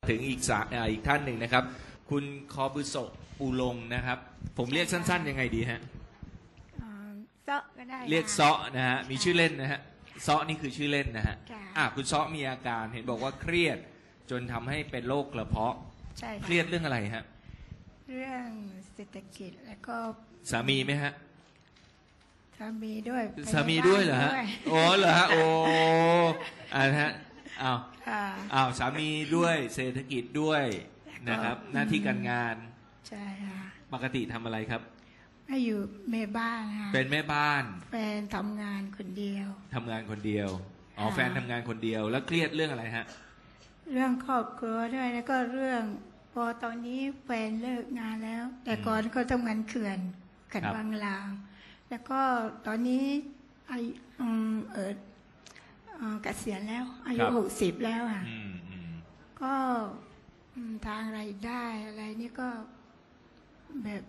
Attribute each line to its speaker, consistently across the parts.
Speaker 1: ถึงอีกท่านหนึ่งนะครับคุณคอบุโสะปูลงนะครับผมเรียกสั้นๆยังไงดีฮะ
Speaker 2: เซาะก็ได้
Speaker 1: เรียกเซาะนะฮะมีชื่อเล่นนะฮะเซาะนี่คือชื่อเล่นนะฮะคุณเซาะมีอาการเห็นบอกว่าเครียดจนทำให้เป็นโรคกระเพาะ
Speaker 2: ใช่
Speaker 1: เครียดเรื่องอะไรฮะ
Speaker 2: เรื่องเศรษฐกิจแล้วก็
Speaker 1: สามีไหมฮะ
Speaker 2: สามีด้วย
Speaker 1: สามีด้วยเหรอฮะโอ้เหรอฮะโอ้ฮะอ้าวสามีด้วยเศรษฐกิจด้วยนะครับหน้าที่การงาน
Speaker 2: ใช่ค่ะ
Speaker 1: ปกติทำอะไรครับ
Speaker 2: อยู่แม่บ้านค่ะ
Speaker 1: เป็นแม่บ้าน
Speaker 2: แฟนทำงานคนเดียว
Speaker 1: ทำงานคนเดียวอ๋อแฟนทำงานคนเดียวแล้วเครียดเรื่องอะไรฮะ
Speaker 2: เรื่องครอบครัวด้วยแล้วก็เรื่องพอตอนนี้แฟนเลิกงานแล้วแต่ก่อนเขาทำงานเขื่อนบางลางแล้วก็ตอนนี้เกษียณแล้วอายุ60แล้วอ่ะก็ทางรายได้อะไรนี่ก็แบบ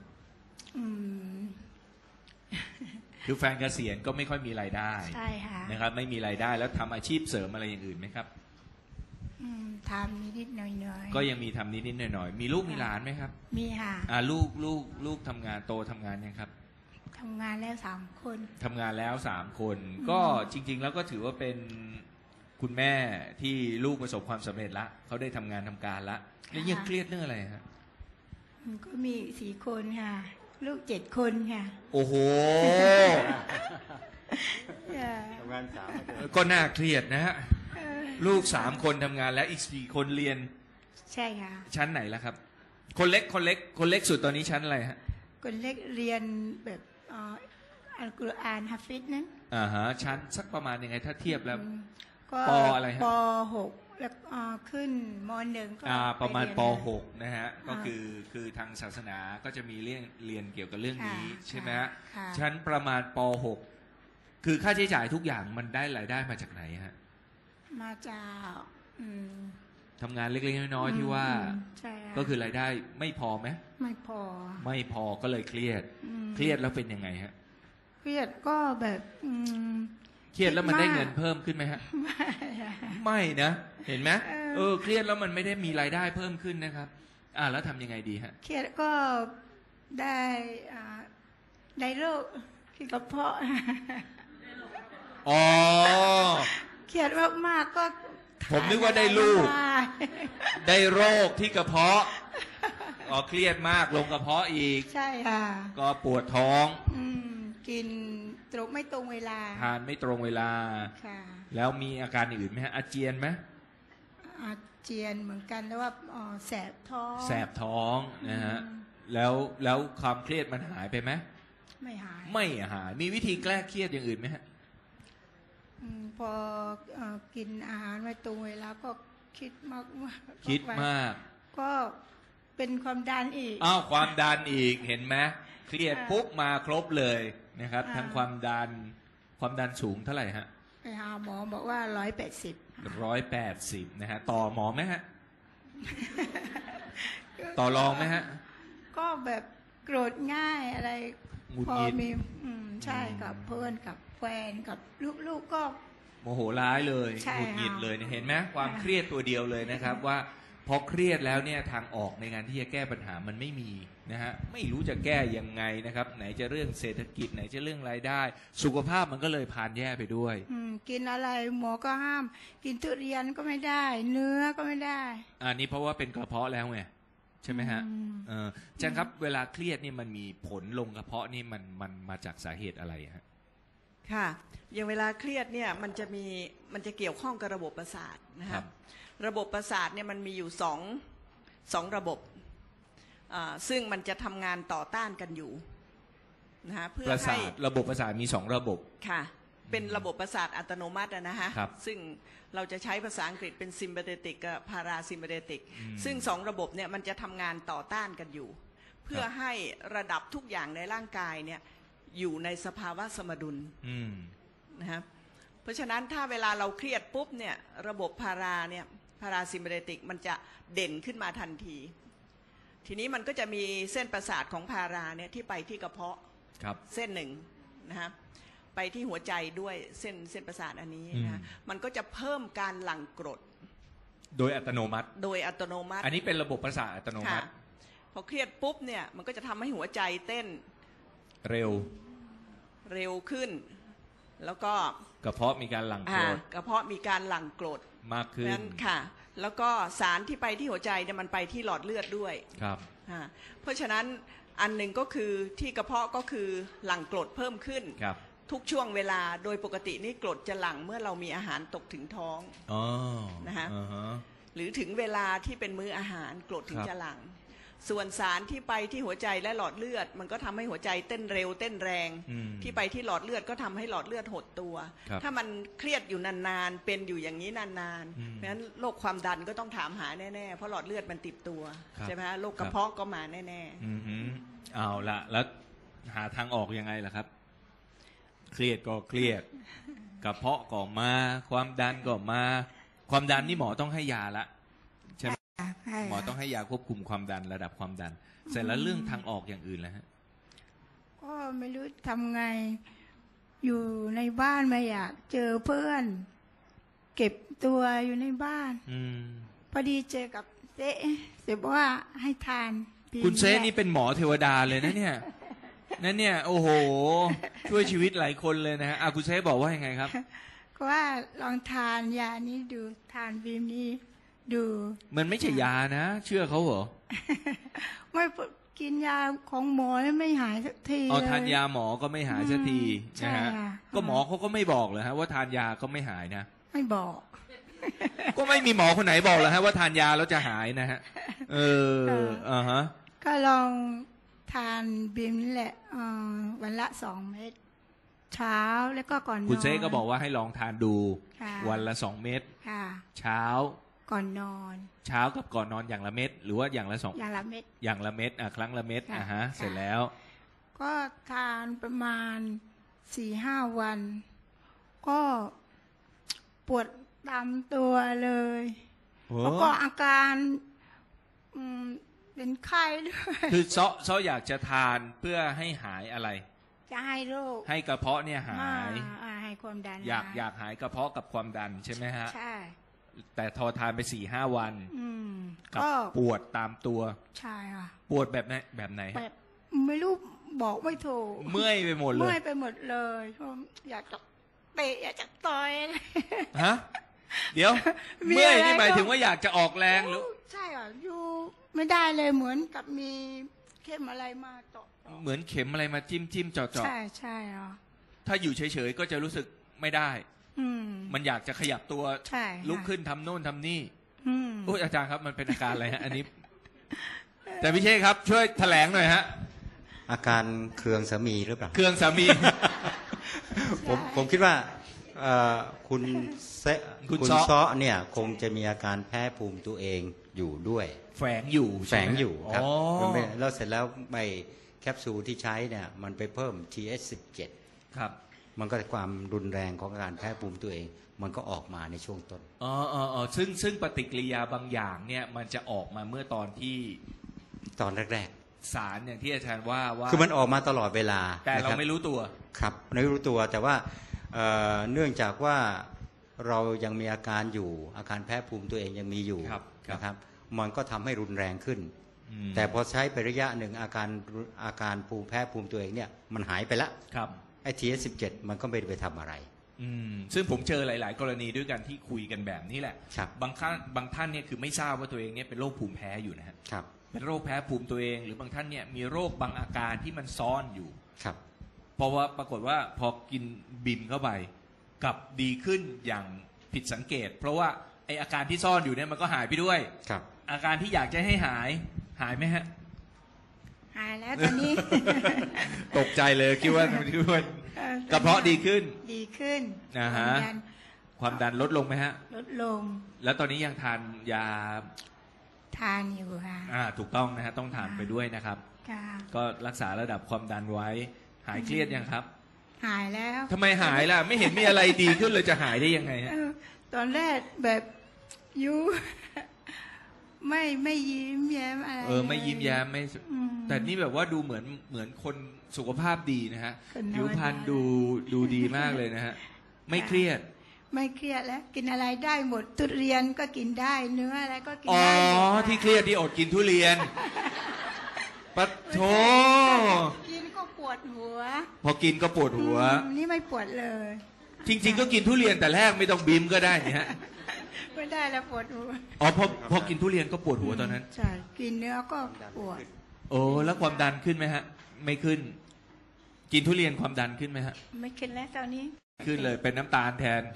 Speaker 1: คือแฟนเกษียณก็ไม่ค่อยมีรายได้
Speaker 2: ใช่ค่ะ
Speaker 1: นะครับไม่มีรายได้แล้วทำอาชีพเสริมอะไรอย่างอื่นไหมครับ
Speaker 2: ทำนิดๆหน่อย
Speaker 1: ๆก็ยังมีทำนิดๆหน่อยๆมีลูกมีหลานไหมครับ
Speaker 2: มีค่ะ
Speaker 1: ลูกทำงานโตทำงานยังครับ
Speaker 2: ทำงานแล้ว3 คน
Speaker 1: ทำงานแล้ว3 คนก็จริงๆแล้วก็ถือว่าเป็นคุณแม่ที่ลูกประสบความสำเร็จละเขาได้ทำงานทำการละแล้วยังเครียดเรื่องอะไรฮะ
Speaker 2: ก็มี4 คนค่ะลูก7 คนค่ะ
Speaker 1: โอ้โหทำงาน3ก็น่าเครียดนะฮะลูก3 คนทำงานแล้วอีก4 คนเรียน
Speaker 2: ใช่ค่ะ
Speaker 1: ชั้นไหนล่ะครับคนเล็กสุดตอนนี้ชั้นอะไรฮะ
Speaker 2: คนเล็กเรียนแบบอัลกุรอานฮะฟิซนั้น
Speaker 1: ฮะชั้นสักประมาณยังไงถ้าเทียบแล้วปอะไรฮะ
Speaker 2: ป.6 แล้วขึ้นม.1 ก็
Speaker 1: ประมาณป.6 นะฮะก็คือทางศาสนาก็จะมีเรียนเกี่ยวกับเรื่องนี้ใช่ไหมฮะชั้นประมาณป.6 คือค่าใช้จ่ายทุกอย่างมันได้รายได้มาจากไหนฮะ
Speaker 2: มาจาก
Speaker 1: ทำงานเล็กๆน้อยๆที่ว่าก็คือรายได้ไม่พอไหม
Speaker 2: ไม่พอ
Speaker 1: ก็เลยเครียดแล้วเป็นยังไงฮะ
Speaker 2: เครียดก็แบบ
Speaker 1: เครียดแล้วมันได้เงินเพิ่มขึ้นไหมฮะไม่นะเห็นไหมเครียดแล้วมันไม่ได้มีรายได้เพิ่มขึ้นนะครับแล้วทำยังไงดีฮะ
Speaker 2: เครียดก็ได้โรคที่กระเพาะเครียดมากๆก็
Speaker 1: ผมนึกว่าได้ลูกได้โรคที่กระเพาะเครียดมากลงกระเพาะอีก
Speaker 2: ใช่ค่ะ
Speaker 1: ก็ปวดท้อง
Speaker 2: กินไม่ตรงเวลา
Speaker 1: ทานไม่ตรงเวลา
Speaker 2: ค่ะ
Speaker 1: แล้วมีอาการอื่นไหมฮะอาเจียนไหม
Speaker 2: อาเจียนเหมือนกันแล้วว่าแสบท้อง
Speaker 1: นะฮะแล้วความเครียดมันหายไปไหม
Speaker 2: ไม่หาย
Speaker 1: มีวิธีแก้เครียดอย่างอื่นไหมฮะ
Speaker 2: พอกินอาหารไม่ตรงเวลาก็คิดมากก็เป็นความดันอีก
Speaker 1: ความดันอีกเห็นไหมเครียดปุ๊บมาครบเลยนะครับทั้งความดันสูงเท่าไหร่ฮะ
Speaker 2: ไปหาหมอบอกว่า180
Speaker 1: นะฮะต่อหมอไหมฮะต่อรองไหมฮะ
Speaker 2: ก็แบบโกรธง่ายอะไรพอมีใช่กับเพื่อนกับแฟนกับลูกๆก็
Speaker 1: โมโหร้ายเลยหงุดหงิดเลยเห็นไหมความเครียดตัวเดียวเลยนะครับว่าพอเครียดแล้วเนี่ยทางออกในการที่จะแก้ปัญหามันไม่มีนะฮะไม่รู้จะแก้ยังไงนะครับไหนจะเรื่องเศรษฐกิจไหนจะเรื่องรายได้สุขภาพมันก็เลยพานแย่ไปด้วย
Speaker 2: กินอะไรหมอก็ห้ามกินทุเรียนก็ไม่ได้เนื้อก็ไม่ได้
Speaker 1: นี่เพราะว่าเป็นกระเพาะแล้วไงใช่ไหมฮะอาจารย์ครับเวลาเครียดนี่มันมีผลลงกระเพาะนี่มันมาจากสาเหตุอะไรฮะ
Speaker 3: ค่ะอย่างเวลาเครียดเนี่ยมันจะเกี่ยวข้องกับระบบประสาทนะครับระบบประสาทเนี่ยมันมีอยู่สองระบบซึ่งมันจะทำงานต่อต้านกันอยู่นะฮะเพื่อให้
Speaker 1: ระบบประสาทมี2ระบบ
Speaker 3: ค่ะเป็นระบบประสาทอัตโนมัตินะฮะซึ่งเราจะใช้ภาษาอังกฤษเป็น sympathetic กับ parasympathetic ซึ่ง2ระบบเนี่ยมันจะทำงานต่อต้านกันอยู่เพื่อให้ระดับทุกอย่างในร่างกายเนี่ยอยู่ในสภาวะสมดุลนะครับเพราะฉะนั้นถ้าเวลาเราเครียดปุ๊บเนี่ยระบบพาราซิมเปเทติกมันจะเด่นขึ้นมาทันทีทีนี้มันก็จะมีเส้นประสาทของพาราเนี่ยที่ไปที่กระเพาะเส้นหนึ่งนะครับไปที่หัวใจด้วยเส้นประสาทอันนี้นะมันก็จะเพิ่มการหลั่งกรด
Speaker 1: โดยอัตโนมัติ
Speaker 3: โดยอัตโนมัติ
Speaker 1: อันนี้เป็นระบบประสาทอัตโนมั
Speaker 3: ค่ะ
Speaker 1: ติ
Speaker 3: พอเครียดปุ๊บเนี่ยมันก็จะทำให้หัวใจเต้น
Speaker 1: เร็ว
Speaker 3: เร็วขึ้น แล้วก็
Speaker 1: กระเพาะมีการหลั่งโกรด
Speaker 3: กระเพาะมีการหลั่งกรด
Speaker 1: มากขึ้น
Speaker 3: นั้นค่ะ แล้วก็สารที่ไปที่หัวใจเนี่ยมันไปที่หลอดเลือดด้วย
Speaker 1: ครับ
Speaker 3: เพราะฉะนั้นอันหนึ่งก็คือที่กระเพาะก็คือหลั่งกรดเพิ่มขึ้น
Speaker 1: ครับ
Speaker 3: ทุกช่วงเวลาโดยปกตินี่กรดจะหลั่งเมื่อเรามีอาหารตกถึงท้อง
Speaker 1: อ๋อ
Speaker 3: นะฮะ
Speaker 1: อ่าฮะ
Speaker 3: หรือถึงเวลาที่เป็นมื้ออาหารกรดถึง
Speaker 1: ครับ
Speaker 3: จะหลั่งส่วนสารที่ไปที่หัวใจและหลอดเลือด มันก็ทำให้หัวใจเต้นเร็วเต้นแรง
Speaker 1: อืม
Speaker 3: ที่ไปที่หลอดเลือดก็ทำให้หลอดเลือดหดตัว
Speaker 1: ครับ
Speaker 3: ถ้ามันเครียดอยู่นานๆเป็นอยู่อย่างนี้นาน
Speaker 1: อืม
Speaker 3: ๆเพราะฉะนั้นโรคความดันก็ต้องถามหาแน่ๆเพราะหลอดเลือดมันติดตัว
Speaker 1: ครับ
Speaker 3: ใช่ไหมฮะโรคกระเพาะก็มาแน่
Speaker 1: อือหือเอาละแล้วหาทางออกยังไงล่ะครับ เครียดก็เครียด กระเพาะก็มา ความดันก็มา ความดันนี่หมอต้องให้ยาละใช่ไหม
Speaker 2: ใช่
Speaker 1: หมอต้องให้ยาควบคุมความดันระดับความดัน เสร็จแล้วเรื่องทางออกอย่างอื่นแล้วฮะ
Speaker 2: ก็ไม่รู้ทำไง อยู่ในบ้านไม่อยากเจอเพื่อน เก็บตัวอยู่ในบ้าน
Speaker 1: อืม
Speaker 2: พอดีเจอกับเจ๊เจ๊บอกว่าให้ทานปี
Speaker 1: คุณเซ
Speaker 2: แรก
Speaker 1: นี่เป็นหมอเทวดาเลยนะเนี่ย นั่นเนี่ย โอ้โห ช่วยชีวิตหลายคนเลยนะฮะคุณเซบอกว่ายังไงครับ
Speaker 2: ก็ว่าลองทานยานี้ดูทานบีมนี้ดู
Speaker 1: มันไม่ใช่ยานะ เชื่อเขาเหรอ
Speaker 2: ไม่กินยาของหมอแล้วไม่หายสักที
Speaker 1: เอา
Speaker 2: เลย
Speaker 1: ทานยาหมอก็ไม่หายสักที
Speaker 2: ใช่
Speaker 1: นะฮะ
Speaker 2: ค่ะ
Speaker 1: ก็หมอเขาก็ไม่บอกเลยฮะว่าทานยาก็ไม่หายนะ
Speaker 2: ไม่บอก
Speaker 1: ก็ไม่มีหมอคนไหนบอกเลยฮะว่าทานยาแล้วจะหายนะฮะ เอออ่าฮะ
Speaker 2: ก็ลองทานบีมนี่แหละวันละ2 เม็ดเช้าแล้วก็ก่อนนอน
Speaker 1: คุณเซก็บอกว่าให้ลองทานดู
Speaker 2: ค่ะ
Speaker 1: วันละ2 เม็ด
Speaker 2: ค่ะ
Speaker 1: เช้า
Speaker 2: ก่อนนอน
Speaker 1: เช้ากับก่อนนอนอย่างละเม็ดหรือว่าอย่างละ2
Speaker 2: อย่างละเม็ด
Speaker 1: อย่างละเม็ดครั้งละเม็ด
Speaker 2: ค่ะ
Speaker 1: ฮะ
Speaker 2: ค่ะ
Speaker 1: เสร็จแล้ว
Speaker 2: ก็ทานประมาณ4-5 วัน ก็ปวดตามตัวเลย แล้วก็อาการเป็นไข้ด้วย
Speaker 1: คือซ้ออยากจะทานเพื่อให้หายอะไร
Speaker 2: จะให้โรค
Speaker 1: ให้กระเพาะเนี่ยหาย
Speaker 2: ให้ความดัน
Speaker 1: อยาก
Speaker 2: ห
Speaker 1: อยากหายกระเพาะกับความดันใช่ไหมฮะ
Speaker 2: ใช่
Speaker 1: แต่ทอทานไป4-5 วัน กับ
Speaker 2: ก็
Speaker 1: ปวดตามตัว
Speaker 2: ใช่ค่ะ
Speaker 1: ปวดแบบไหนแบบไหน
Speaker 2: แบบไม่รู้บอกไม่ถูก
Speaker 1: เมื่อยไปหมดเล
Speaker 2: เมื่อย ยไปหมดเลยอยากจะเตะอยากจะต่อย
Speaker 1: ฮะ เดี๋ยว
Speaker 2: มี
Speaker 1: เมื่อย
Speaker 2: อะไร
Speaker 1: นี่หมาย
Speaker 2: ก็
Speaker 1: ถึงว่าอยากจะออกแรงหรือ
Speaker 2: ใช่อ่ะอยู่ไม่ได้เลยเหมือนกับมีเข้มอะไรมาเจาะ
Speaker 1: เหมือนเข็มอะไรมาจิ้มเจาะ
Speaker 2: ใช่ใช่อ่ะ
Speaker 1: ถ้าอยู่เฉยๆก็จะรู้สึกไม่ได้ มันอยากจะขยับตัว
Speaker 2: ใช่ค่ะ
Speaker 1: ลุกขึ้นทำโน่นทำนี่
Speaker 2: อืม
Speaker 1: โอ้ยอาจารย์ครับมันเป็นอาการอะไรฮะ อันนี้ แต่พี่เชษครับ ช่วยแถลงหน่อยฮะ
Speaker 4: อาการเคืองสามีหรือเปล่า
Speaker 1: เครื่องสามี
Speaker 4: ผมคิดว่าคุณเซ
Speaker 1: คุณ
Speaker 4: คุณ
Speaker 1: ซ้อ
Speaker 4: ซ้อเนี่ยคงจะมีอาการแพ้ภูมิตัวเองอยู่ด้วย
Speaker 1: แฝงอยู่
Speaker 4: แฝงอยู่ครับ
Speaker 1: อ๋อ
Speaker 4: แล้วเสร็จแล้วไปแคปซูลที่ใช้เนี่ยมันไปเพิ่ม TH17
Speaker 1: ครับ
Speaker 4: มันก็ความรุนแรงของการแพ้ภูมิตัวเอง มันก็ออกมาในช่วงต้น
Speaker 1: ซึ่งปฏิกิริยาบางอย่างเนี่ยมันจะออกมาเมื่อตอนที่
Speaker 4: ตอนแรก
Speaker 1: สารอย่างที่อาจารย์ว่า
Speaker 4: ๆ คือมันออกมาตลอดเวลา
Speaker 1: แต่เรา
Speaker 4: นะคบ
Speaker 1: ไม่รู้ตัว
Speaker 4: ครับไม่รู้ตัวแต่ว่าเนื่องจากว่าเรายังมีอาการอยู่อาการแพ้ภูมิตัวเองยังมีอยู่
Speaker 1: ครับ
Speaker 4: นะครับมันก็ทำให้รุนแรงขึ้น
Speaker 1: อืม
Speaker 4: แต่พอใช้ไประยะหนึ่งอาการภูมิแพ้ภูมิตัวเองเนี่ยมันหายไปละ
Speaker 1: ครับ
Speaker 4: ไอ้ TH17 มันก็ไม่ได้ไปทำอะไร
Speaker 1: ซึ่งผมเจอหลาย ๆ กรณีด้วยกันที่คุยกันแบบนี้แหละ
Speaker 4: ครับ
Speaker 1: บางท่านเนี่ยคือไม่ทราบว่าตัวเองเนี่ยเป็นโรคภูมิแพ้อยู่นะฮะ
Speaker 4: ครับ
Speaker 1: เป็นโรคแพ้ภูมิตัวเอง หรือบางท่านเนี่ยมีโรคบางอาการที่มันซ่อนอยู่
Speaker 4: ครับ
Speaker 1: เพราะว่าปรากฏว่าพอกินบิมเข้าไปกลับดีขึ้นอย่างผิดสังเกต เพราะว่าไออาการที่ซ่อนอยู่เนี่ยมันก็หายไปด้วย
Speaker 4: ครับ
Speaker 1: อาการที่อยากจะให้หายไหมฮะ
Speaker 2: หายแล้วตอนนี้
Speaker 1: ตกใจเลยคิดว่ากระเพาะดีขึ้น
Speaker 2: ดีขึ้น
Speaker 1: อ่าฮะ ความดันลดลงไหมฮะ
Speaker 2: ลดลง
Speaker 1: แล้วตอนนี้ยังทานยา
Speaker 2: ทานอยู่ค่ะ
Speaker 1: ถูกต้องนะฮะต้องทานไปด้วยนะครับ
Speaker 2: ค่ะ
Speaker 1: ก็รักษาระดับความดันไว้ หายเครียดยังครับ
Speaker 2: หายแล้ว
Speaker 1: ทำไมหายล่ะ ไม่เห็นมีอะไรดีขึ้นเลยจะหายได้ยังไงฮะ
Speaker 2: ตอนแรกแบบยู ไม่ยิ้มแย้มอะไร
Speaker 1: ไม่ยิ้มแย้มไม่
Speaker 2: อืม
Speaker 1: แต่นี่แบบว่าดูเหมือนคนสุขภาพดีนะฮะ
Speaker 2: คนน้อย
Speaker 1: ผิวพรรณดูดีมากเลยนะฮะ ไม่เครียด
Speaker 2: ไม่เครียดแล้วกินอะไรได้หมดทุเรียนก็กินได้เนื้ออะไรก็กิน
Speaker 1: อ๋อ
Speaker 2: ได้หมด
Speaker 1: ที่เครียดที่อดกินทุเรียนปะโถ
Speaker 2: กินก็ปวดหัว
Speaker 1: พอกินก็ปวดหัว
Speaker 2: นี่ไม่ปวดเลย
Speaker 1: จริง ๆ ก็กินทุเรียนแต่แรกไม่ต้องบีมก็ได้นี่ฮะ
Speaker 2: ไม่ได้แล้วปวดหัว
Speaker 1: อ๋อพอกินทุเรียนก็ปวดหัวตอนนั้น
Speaker 2: ใช่กินเนื้อก็ปวด
Speaker 1: โอ้แล้วความดันขึ้นไหมฮะ ไม่ขึ้น กินทุเรียนความดันขึ้นไหมฮะ
Speaker 2: ไม่ขึ้นแล้วตอนนี้
Speaker 1: ขึ้นเลยเป็นน้ำตาลแทน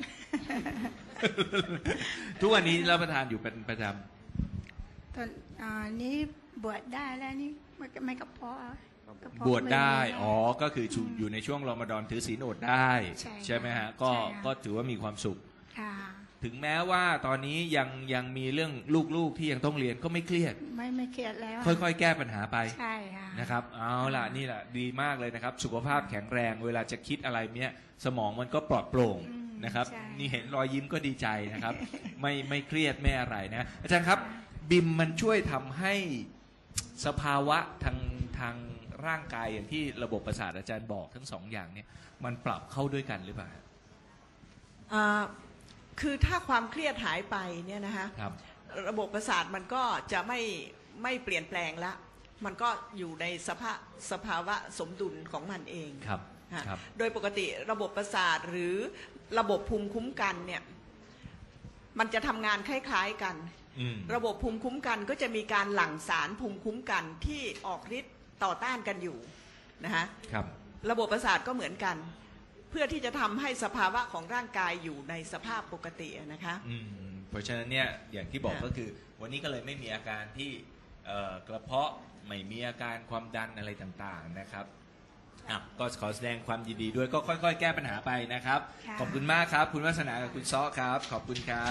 Speaker 1: ทุกวันนี้รับประทานอยู่เป็นประจ
Speaker 2: ตอนนี้บวชได้แล้วนี่ไม่กระเพาะกระเพาะ
Speaker 1: ำบวชได้
Speaker 2: ม่
Speaker 1: อ๋อก็คืออยู่ในช่วงรอมฎอนถือศีลอดได้
Speaker 2: ใช่
Speaker 1: ไหมฮะ
Speaker 2: ใช่ค่ะ
Speaker 1: ก็ถือว่ามีความสุข
Speaker 2: ค่ะ
Speaker 1: ถึงแม้ว่าตอนนี้ยังมีเรื่องลูกๆที่ยังต้องเรียนก็ไม่เครียด
Speaker 2: ไม่เครียดแล้ว
Speaker 1: ค่อยๆแก้ปัญหาไป
Speaker 2: ใช่ค่ะ
Speaker 1: นะครับเอาล่ะนี่แหละดีมากเลยนะครับ สุขภาพแข็งแรงเวลาจะคิดอะไรเนี้ยสมองมันก็ปลอดโปร่งนะครับ
Speaker 2: ใช่
Speaker 1: นี่เห็นรอยยิ้มก็ดีใจนะครับ ไม่เครียดไม่อะไรนะอาจารย์ครับบิมมันช่วยทำให้สภาวะทางร่างกายอย่างที่ระบบประสาทอาจารย์บอกทั้งสองอย่างเนี่ยมันปรับเข้าด้วยกันหรือเปล่า
Speaker 3: คือถ้าความเครียดหายไปเนี่ยนะคะ
Speaker 1: ครับ
Speaker 3: ระบบประสาทมันก็จะไม่เปลี่ยนแปลงละมันก็อยู่ในสภาวะสมดุลของมันเอง
Speaker 1: ครับ
Speaker 3: ฮะ
Speaker 1: ครับ
Speaker 3: โดยปกติระบบประสาทหรือระบบภูมิคุ้มกันเนี่ยมันจะทำงานคล้ายๆกัน
Speaker 1: อืม
Speaker 3: ระบบภูมิคุ้มกันก็จะมีการหลั่งสารภูมิคุ้มกันที่ออกฤทธิ์ต่อต้านกันอยู่นะคะ
Speaker 1: ครับ
Speaker 3: ระบบประสาทก็เหมือนกัน เพื่อที่จะทำให้สภาวะของร่างกายอยู่ในสภาพปกตินะคะ
Speaker 1: เพราะฉะนั้นเนี่ยอย่างที่บอก
Speaker 3: ค่ะ
Speaker 1: ก็คือ วันนี้ก็เลยไม่มีอาการที่กระเพาะไม่มีอาการความดันอะไรต่างๆนะครับก็ขอแสดงความยินดีด้วยก็ค่อยๆ แก้ปัญหาไปนะครับ
Speaker 2: ค่ะ
Speaker 1: ขอบคุณมากครับ คุณวัฒนากับคุณซ้อครับ ขอบคุณครับ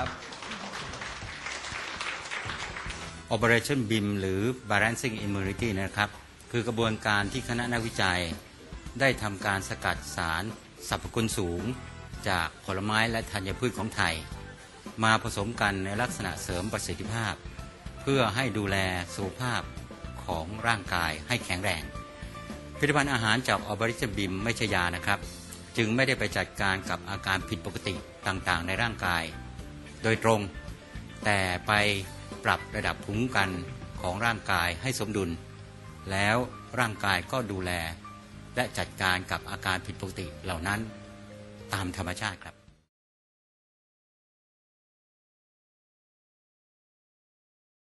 Speaker 4: Operation BIM หรือ Balancing Immunity นะครับคือกระบวนการที่คณะนักวิจัยได้ทำการสกัดสารสรรพคุณสูงจากผลไม้และธัญพืชของไทย มาผสมกันในลักษณะเสริมประสิทธิภาพ เพื่อให้ดูแลสุขภาพของร่างกายให้แข็งแรงผลิตภัณฑ์อาหารจาก Operation BIM ไม่ใช่ยานะครับจึงไม่ได้ไปจัดการกับอาการผิดปกติต่างๆในร่างกายโดยตรงแต่ไปปรับระดับภูมิคุ้มกันของร่างกายให้สมดุลแล้วร่างกายก็ดูแลและจัดการกับอาการผิดปกติเหล่านั้นตามธรรมชาติครับ